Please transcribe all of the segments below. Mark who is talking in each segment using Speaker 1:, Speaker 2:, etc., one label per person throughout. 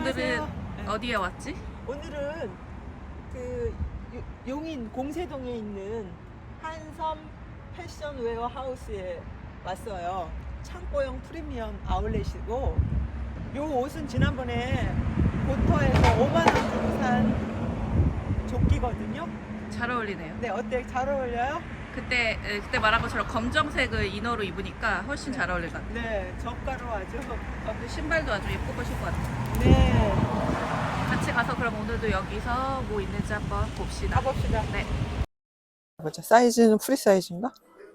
Speaker 1: 오늘은
Speaker 2: 네.
Speaker 1: 어디에 왔지?
Speaker 2: 오늘은 그 용인 공세동에 있는 한섬 패션 웨어 하우스에 왔어요. 창고형 프리미엄 아울렛이고, 요 옷은 지난번에 고터에서 5만 원 주고 산 조끼거든요.
Speaker 1: 잘 어울리네요.
Speaker 2: 네, 어때? 잘 어울려요?
Speaker 1: 그때 말한 것처럼 검정색을 이너로 입으니까 훨씬 잘 어울릴 것 같아요.
Speaker 2: 네, 저가로 아주.
Speaker 1: 그리고 신발도 아주 예쁘고 신것 같아요.
Speaker 2: 네,
Speaker 1: 같이 가서 그럼 오늘도 여기서 뭐 있는지 한번 봅시다.
Speaker 2: 가봅시다.
Speaker 1: 네.
Speaker 2: 보자. 사이즈는 프리 사이즈인가?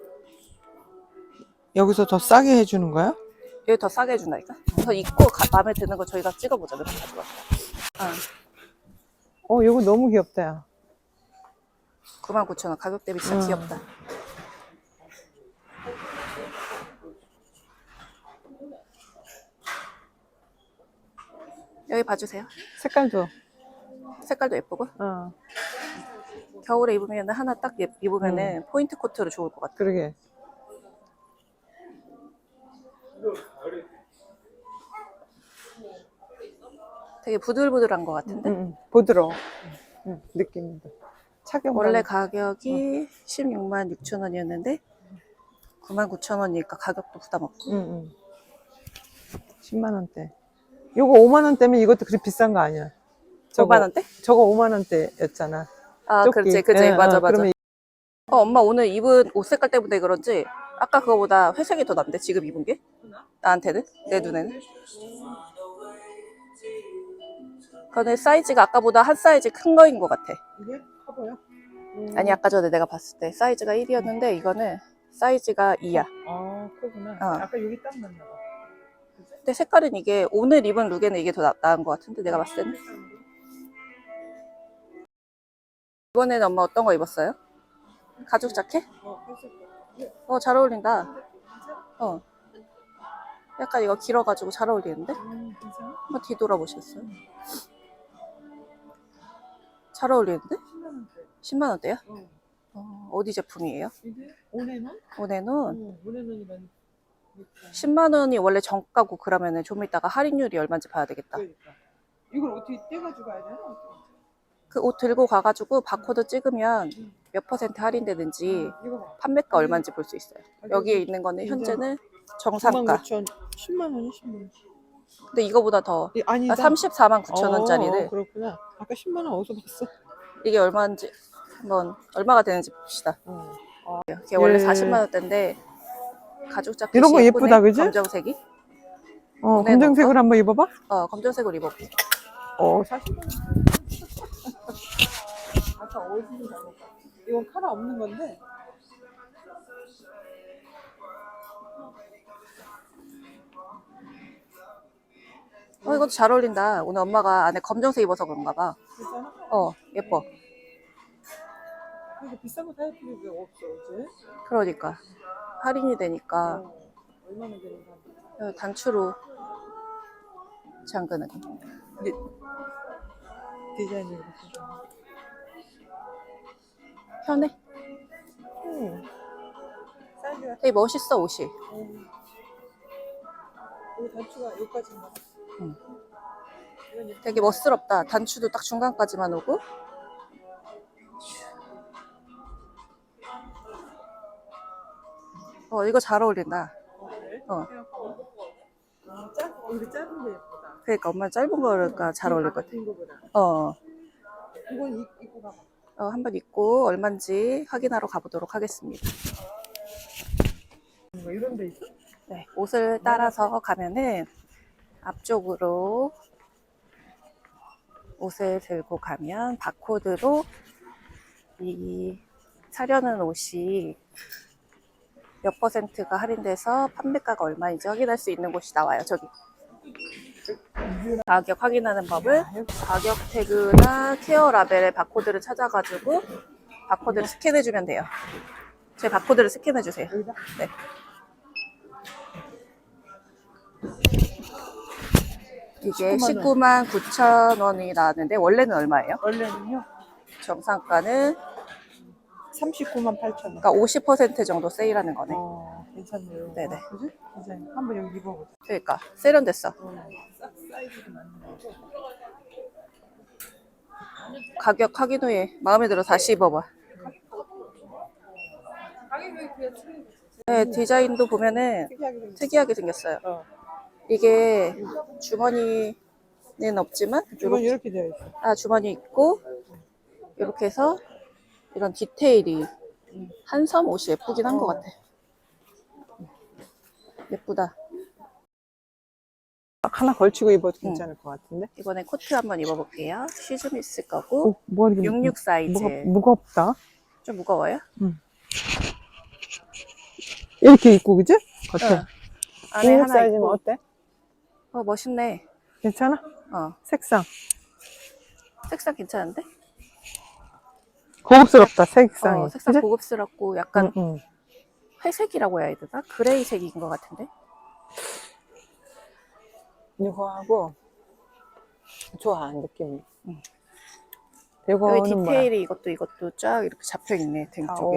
Speaker 2: 여기서 더 싸게 해주는 거야?
Speaker 1: 여기 더 싸게 해준다니까? 그래서 입고 마음에 드는 거 저희가 찍어보자. 몇 번 가져가.
Speaker 2: 이거 너무 귀엽다, 야.
Speaker 1: 99,000원. 가격 대비 진짜 귀엽다. 여기 봐주세요.
Speaker 2: 색깔도.
Speaker 1: 색깔도 예쁘고. 겨울에 입으면 하나 딱 입으면은 포인트 코트로 좋을 것 같아.
Speaker 2: 그러게.
Speaker 1: 되게 부들부들한 것 같은데?
Speaker 2: 부드러워. 느낌도. 착용.
Speaker 1: 원래 가격이 16만 6천 원이었는데 99,000원이니까 가격도 부담 없고.
Speaker 2: 10만 원대. 요거 5만 원대면 이것도 그리 비싼 거 아니야?
Speaker 1: 5만 원대?
Speaker 2: 저거 5만 원대였잖아.
Speaker 1: 아,
Speaker 2: 조끼.
Speaker 1: 그렇지.
Speaker 2: 예,
Speaker 1: 맞아.
Speaker 2: 그러면
Speaker 1: 엄마 오늘 입은 옷 색깔 때문에 그런지 아까 그거보다 회색이 더 낫는데 지금 입은 게? 나한테는? 내 눈에는? 그거는 사이즈가 아까보다 한 사이즈 큰 거인 것 같아.
Speaker 2: 이게 커 보여?
Speaker 1: 아니 아까 전에 내가 봤을 때 사이즈가 1이었는데 이거는 사이즈가 2야.
Speaker 2: 아, 크구나. 아까 여기 딱 맞나 봐.
Speaker 1: 근데 색깔은 이게 오늘 입은 룩에는 이게 더 나은 것 같은데 내가 봤을 때는. 이번에는 엄마 어떤 거 입었어요? 가죽 자켓? 잘 어울린다. 약간 이거 길어가지고 잘 어울리는데? 한번 뒤돌아보시겠어요? 잘 어울리는데? 10만 원대야? 어디 제품이에요?
Speaker 2: 이게 오네논?
Speaker 1: 오네논?
Speaker 2: 오네논이라는
Speaker 1: 10만 원이 원래 정가고 그러면은 좀 이따가 할인율이 얼마인지 봐야 되겠다.
Speaker 2: 그러니까. 이걸 어떻게 떼가지고 가야 되나?
Speaker 1: 그 옷 들고 가가지고 바코드 찍으면 몇 퍼센트 할인되는지 판매가 얼마인지 볼 수 있어요. 여기에 있는 거는 현재는 정상가.
Speaker 2: 10만 원이 10만 원.
Speaker 1: 근데 이거보다 더
Speaker 2: 아니다.
Speaker 1: 34만 9천 원짜리를.
Speaker 2: 그렇구나. 아까 10만 원 어디서 봤어?
Speaker 1: 이게 얼마인지 한번 얼마가 되는지 봅시다. 이게 원래 40만 원대인데 가죽 자켓이
Speaker 2: 이런 거
Speaker 1: 예쁘네.
Speaker 2: 예쁘다, 그지?
Speaker 1: 검정색이.
Speaker 2: 검정색으로 한번 입어봐.
Speaker 1: 검정색으로 입어볼게.
Speaker 2: 40만 원. 아까 어디서 잘못 봤어? 이건 카라 없는 건데.
Speaker 1: 이것도 잘 어울린다. 오늘 엄마가 안에 검정색 입어서 그런가 봐.
Speaker 2: 괜찮아?
Speaker 1: 예뻐.
Speaker 2: 근데 비싼 거 사야 필요가 없어, 이제.
Speaker 1: 그러니까 할인이 되니까
Speaker 2: 얼마나 되는 거야?
Speaker 1: 단추로 잠그는.
Speaker 2: 이게 디자인이 이렇게 좀.
Speaker 1: 편해.
Speaker 2: 사이즈가
Speaker 1: 되게 멋있어 옷이.
Speaker 2: 여기 단추가 여기까지인가?
Speaker 1: 되게 멋스럽다. 단추도 딱 중간까지만 오고. 이거 잘 어울린다.
Speaker 2: 그래? 이거 짧은 게 예쁘다.
Speaker 1: 그러니까 엄마 짧은 거니까 잘 어울릴 것 같아.
Speaker 2: 이거보다. 이건 입고 가봐.
Speaker 1: 한번 입고 얼마인지 확인하러 가보도록 하겠습니다.
Speaker 2: 뭐 이런 데 있어?
Speaker 1: 네, 옷을 따라서 가면은 앞쪽으로 옷을 들고 가면 바코드로 이 사려는 옷이 몇 퍼센트가 할인돼서 판매가가 얼마인지 확인할 수 있는 곳이 나와요. 저기 가격 확인하는 법을 가격 태그나 케어 라벨의 바코드를 찾아가지고 바코드를 스캔해주면 돼요. 제 바코드를 스캔해주세요. 네. 이게 19만 9천 원이 나왔는데 원래는 얼마예요?
Speaker 2: 원래는요?
Speaker 1: 정상가는
Speaker 2: 39만 8천 원.
Speaker 1: 그러니까 50% 정도 세일하는 거네.
Speaker 2: 괜찮네요.
Speaker 1: 네네.
Speaker 2: 그지? 디자인 한번 여기 입어보자.
Speaker 1: 그러니까 세련됐어.
Speaker 2: 싹 사이즈도 맞는 거고.
Speaker 1: 가격 확인 후에 마음에 들어 다시 입어봐. 네, 디자인도 보면은 특이하게 생겼어요. 이게 주머니는 없지만
Speaker 2: 주머니 이렇게 되어 있어.
Speaker 1: 주머니 있고 이렇게 해서 이런 디테일이 한섬 옷이 예쁘긴 한 것 같아. 예쁘다.
Speaker 2: 딱 하나 걸치고 입어도 괜찮을 것 같은데.
Speaker 1: 이번에 코트 한번 입어볼게요. 시즈미스 거고
Speaker 2: 뭐 이렇게
Speaker 1: 66 사이즈.
Speaker 2: 무겁다.
Speaker 1: 좀 무거워요?
Speaker 2: 이렇게 입고 그지? 겉에.
Speaker 1: 응. 안에
Speaker 2: 66
Speaker 1: 하나
Speaker 2: 사이즈면
Speaker 1: 있고.
Speaker 2: 어때?
Speaker 1: 멋있네.
Speaker 2: 괜찮아?
Speaker 1: 색상 괜찮은데?
Speaker 2: 고급스럽다 색상이.
Speaker 1: 색상
Speaker 2: 그치?
Speaker 1: 고급스럽고 약간
Speaker 2: 응.
Speaker 1: 회색이라고 해야 되나? 그레이색인 것 같은데?
Speaker 2: 이거하고 좋아 느낌이.
Speaker 1: 여기
Speaker 2: 이거는 뭐야?
Speaker 1: 디테일이 이것도 쫙 이렇게 잡혀있네. 등 쪽에.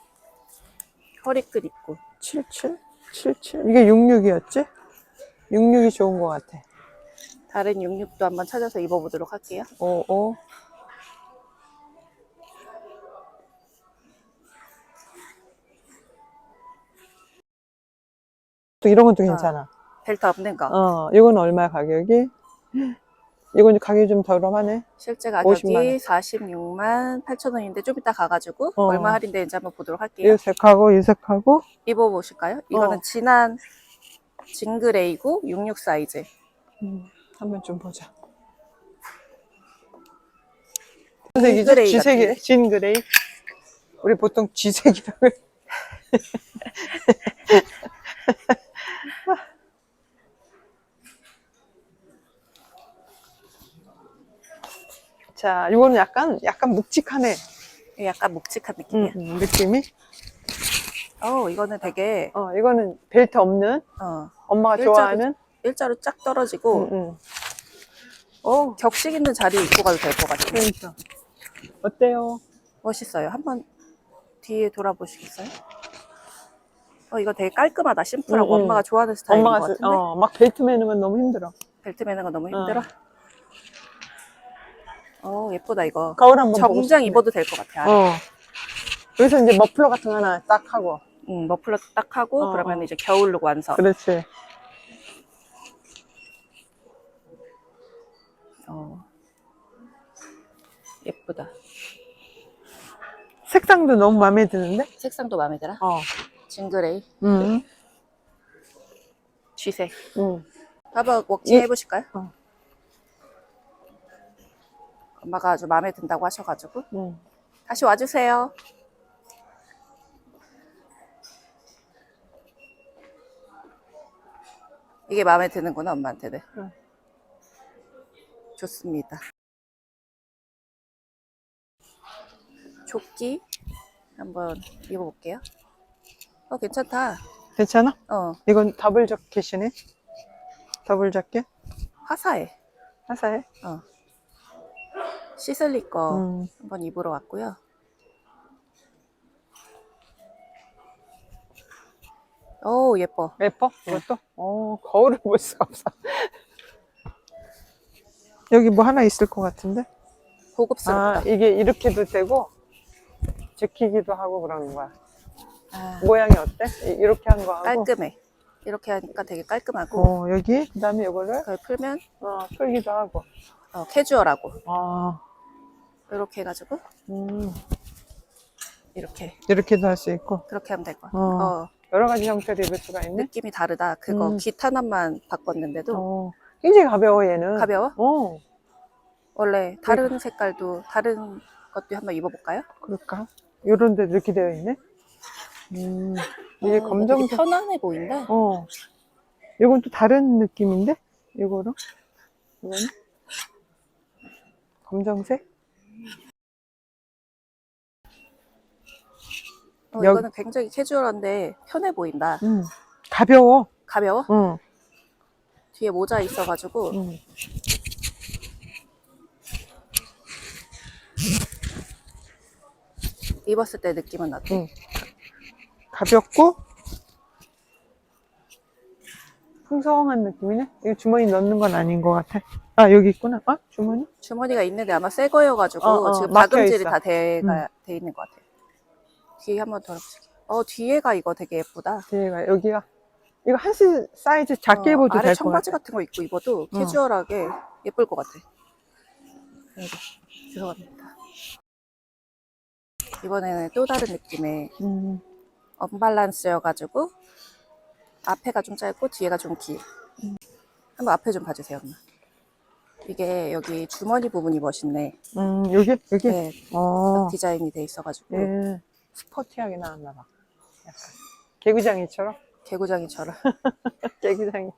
Speaker 1: 허리끝 있고.
Speaker 2: 77? 77? 이게 66이었지? 66이 좋은 것 같아.
Speaker 1: 다른 66도 한번 찾아서 입어보도록 할게요.
Speaker 2: 55. 또 이런 것도 괜찮아.
Speaker 1: 벨트 없는 거.
Speaker 2: 이건 얼마 가격이? 이건 가격이 좀 저렴하네.
Speaker 1: 실제 가격이
Speaker 2: 50만 원.
Speaker 1: 46만 8천 원인데 좀 이따 가가지고 얼마 할인되는지 한번 보도록 할게요.
Speaker 2: 이 색하고
Speaker 1: 입어보실까요? 이거는 진한 진그레이고 66 사이즈.
Speaker 2: 한번 좀 보자. 색이죠?
Speaker 1: 그레이
Speaker 2: 지색이, 진그레이. 우리 보통 지색이라고 해. 자, 이거는 약간 묵직하네.
Speaker 1: 약간 묵직한 느낌이야.
Speaker 2: 느낌이.
Speaker 1: 이거는 되게
Speaker 2: 이거는 벨트 없는 엄마가 좋아하는
Speaker 1: 일자로 쫙 떨어지고 격식 있는 자리에 입고 가도 될 것 같아요.
Speaker 2: 그러니까. 어때요?
Speaker 1: 멋있어요. 한번 뒤에 돌아보시겠어요? 이거 되게 깔끔하다. 심플하고 엄마가 좋아하는 스타일인 것 같은데?
Speaker 2: 막 벨트 매는 건 너무 힘들어.
Speaker 1: 벨트 매는 거 너무 힘들어? 예쁘다 이거.
Speaker 2: 거울 한번 보고
Speaker 1: 정장
Speaker 2: 싶네.
Speaker 1: 입어도 될 것 같아.
Speaker 2: 여기서 이제 머플러 같은 거 하나 딱 하고.
Speaker 1: 머플러 딱 하고 그러면 이제 겨울룩 완성.
Speaker 2: 그렇지.
Speaker 1: 예쁘다.
Speaker 2: 색상도 너무 마음에 드는데?
Speaker 1: 색상도 마음에 들어? 진그레이. 쥐색. 한번 워킹 해보실까요? 엄마가 아주 마음에 든다고 하셔가지고 다시 와주세요. 이게 마음에 드는구나 엄마한테는. 좋습니다. 조끼 한번 입어볼게요. 괜찮다.
Speaker 2: 괜찮아? 이건 더블 자켓이네. 더블 자켓?
Speaker 1: 화사해.
Speaker 2: 화사해?
Speaker 1: 시슬리 거 한번 입으러 왔고요. 예뻐.
Speaker 2: 예뻐? 이것도? 거울을 볼 수가 없어. 여기 뭐 하나 있을 것 같은데?
Speaker 1: 고급스럽다.
Speaker 2: 이게 이렇게도 되고 지키기도 하고 그러는 거야. 모양이 어때? 이렇게 한 거 하고
Speaker 1: 깔끔해. 이렇게 하니까 되게 깔끔하고
Speaker 2: 여기 그 다음에 이거를
Speaker 1: 그걸 풀면
Speaker 2: 풀기도 하고
Speaker 1: 캐주얼하고 이렇게 해가지고
Speaker 2: 이렇게도 할 수 있고
Speaker 1: 그렇게 하면 될 거야.
Speaker 2: 여러 가지 형태로 입을 수가 있네.
Speaker 1: 느낌이 다르다. 그거 깃 하나만 바꿨는데도
Speaker 2: 굉장히 가벼워 얘는.
Speaker 1: 가벼워? 원래 다른 색깔도 다른 것도 한번 입어볼까요?
Speaker 2: 그럴까? 요런 데도 이렇게 되어 있네. 이게 검정색.
Speaker 1: 되게 편안해 보인다.
Speaker 2: 이건 또 다른 느낌인데? 이거는 검정색?
Speaker 1: 이거는 굉장히 캐주얼한데 편해 보인다.
Speaker 2: 가벼워.
Speaker 1: 가벼워? 뒤에 모자 있어가지고 입었을 때 느낌은 어때?
Speaker 2: 가볍고 풍성한 느낌이네. 이거 주머니 넣는 건 아닌 것 같아. 아, 여기 있구나. 어? 주머니?
Speaker 1: 주머니가 있는데 아마 새 거여가지고 지금
Speaker 2: 막혀
Speaker 1: 다금질이
Speaker 2: 있어.
Speaker 1: 다 돼 있는 것 같아요. 뒤에 한번 돌아보세요. 뒤에가 이거 되게 예쁘다.
Speaker 2: 뒤에가, 여기가. 이거 한스 사이즈 작게 입어도
Speaker 1: 아래
Speaker 2: 될 것
Speaker 1: 청바지
Speaker 2: 같아.
Speaker 1: 같은 거 입고 입어도 캐주얼하게 예쁠 것 같아. 여기 들어갑니다. 이번에는 또 다른 느낌의 언밸런스여가지고 앞에가 좀 짧고 뒤에가 좀 길. 한번 앞에 좀 봐주세요, 엄마. 이게 여기 주머니 부분이 멋있네.
Speaker 2: 여기? 여기?
Speaker 1: 네, 딱 디자인이 돼 있어가지고
Speaker 2: 예. 스포티하게 나왔나 봐. 약간. 개구장이처럼?
Speaker 1: 개구장이처럼.
Speaker 2: 개구장이.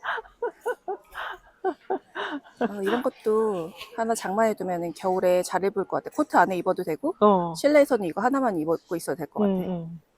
Speaker 1: 이런 것도 하나 장만해 두면 겨울에 잘 입을 것 같아. 코트 안에 입어도 되고
Speaker 2: 어.
Speaker 1: 실내에서는 이거 하나만 입고 있어도 될 것 같아.